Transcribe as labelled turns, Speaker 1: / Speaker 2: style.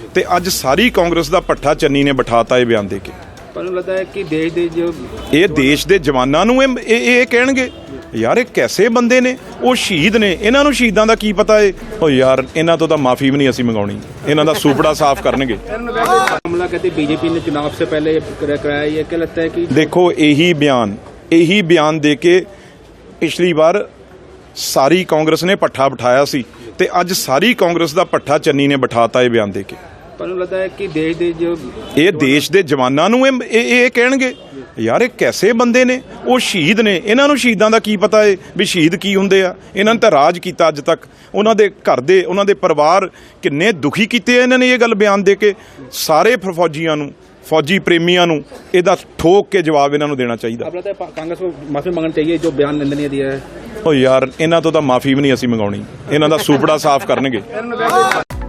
Speaker 1: ਤੇ ਅੱਜ ਸਾਰੀ ਕਾਂਗਰਸ ਦਾ ਪੱਠਾ ਚੰਨੀ ਨੇ ਬਿਠਾਤਾ ਇਹ ਬਿਆਨ ਦੇ ਕੇ।
Speaker 2: ਪਰ ਮੈਨੂੰ ਲੱਗਦਾ ਹੈ ਕਿ ਦੇਸ਼ ਦੇ ਜੋ
Speaker 1: ਇਹ ਦੇਸ਼ ਦੇ ਜਵਾਨਾਂ ਨੂੰ ਇਹ ਕਹਿਣਗੇ ਯਾਰ ਇਹ ਕੈਸੇ ਬੰਦੇ ਨੇ, ਉਹ ਸ਼ਹੀਦ ਨੇ, ਇਹਨਾਂ ਨੂੰ ਸ਼ਹੀਦਾਂ ਦਾ ਕੀ ਪਤਾ ਏ। ਉਹ ਯਾਰ ਇਹਨਾਂ ਤੋਂ ਤਾਂ ਮਾਫੀ ਵੀ ਨਹੀਂ ਅਸੀਂ ਮੰਗਾਉਣੀ, ਇਹਨਾਂ ਦਾ ਸੂਪੜਾ ਸਾਫ਼ ਕਰਨਗੇ।
Speaker 2: मामला कहते बीजेपी ने चुनाव से पहले कराया, ये क्या लगता है कि
Speaker 1: देखो यही बयान दे के पिछली बार सारी कांग्रेस ने पट्ठा बिठाया सी ते अज सारी कांग्रेस ਦਾ ਪੱਠਾ ਚੰਨੀ ਨੇ ਬਿਠਾਤਾ ਇਹ ਬਿਆਨ ਦੇ ਕੇ।
Speaker 2: पर ਮੈਨੂੰ लगता है कि देश ਦੇ ਜੋ
Speaker 1: ਇਹ ਦੇਸ਼ ਦੇ ਜਵਾਨਾਂ ਨੂੰ ਇਹ ਕਹਿਣਗੇ ਯਾਰ ਇਹ ਕੈਸੇ ਬੰਦੇ ਨੇ, ਉਹ ਸ਼ਹੀਦ ਨੇ, ਇਹਨਾਂ ਨੂੰ ਸ਼ਹੀਦਾਂ ਦਾ ਕੀ ਪਤਾ ਏ ਵੀ ਸ਼ਹੀਦ ਕੀ ਹੁੰਦੇ ਆ। ਇਹਨਾਂ ਨੇ ਤਾਂ ਰਾਜ ਕੀਤਾ ਅੱਜ ਤੱਕ, ਉਹਨਾਂ ਦੇ ਘਰ ਦੇ, ਉਹਨਾਂ ਦੇ ਪਰਿਵਾਰ ਕਿੰਨੇ ਦੁਖੀ ਕੀਤੇ ਆ ਇਹਨਾਂ ਨੇ ਇਹ ਗੱਲ ਬਿਆਨ ਦੇ ਕੇ। ਸਾਰੇ ਫੌਜੀਆਂ ਨੂੰ, फौजी प्रेमियों ਨੂੰ ਇਹਦਾ ਠੋਕ ਕੇ ਜਵਾਬ ਇਹਨਾਂ ਨੂੰ ਦੇਣਾ ਚਾਹੀਦਾ।
Speaker 2: अब लगता है कांग्रेस को माफी मांगनी चाहिए जो बयान निंदनीय दिया है।
Speaker 1: ਉਹ ਯਾਰ ਇਹਨਾਂ ਤੋਂ ਤਾਂ ਮਾਫੀ ਵੀ ਨਹੀਂ ਅਸੀਂ ਮੰਗਾਉਣੀ, ਇਹਨਾਂ ਦਾ ਸੂਪੜਾ ਸਾਫ਼ ਕਰਨਗੇ।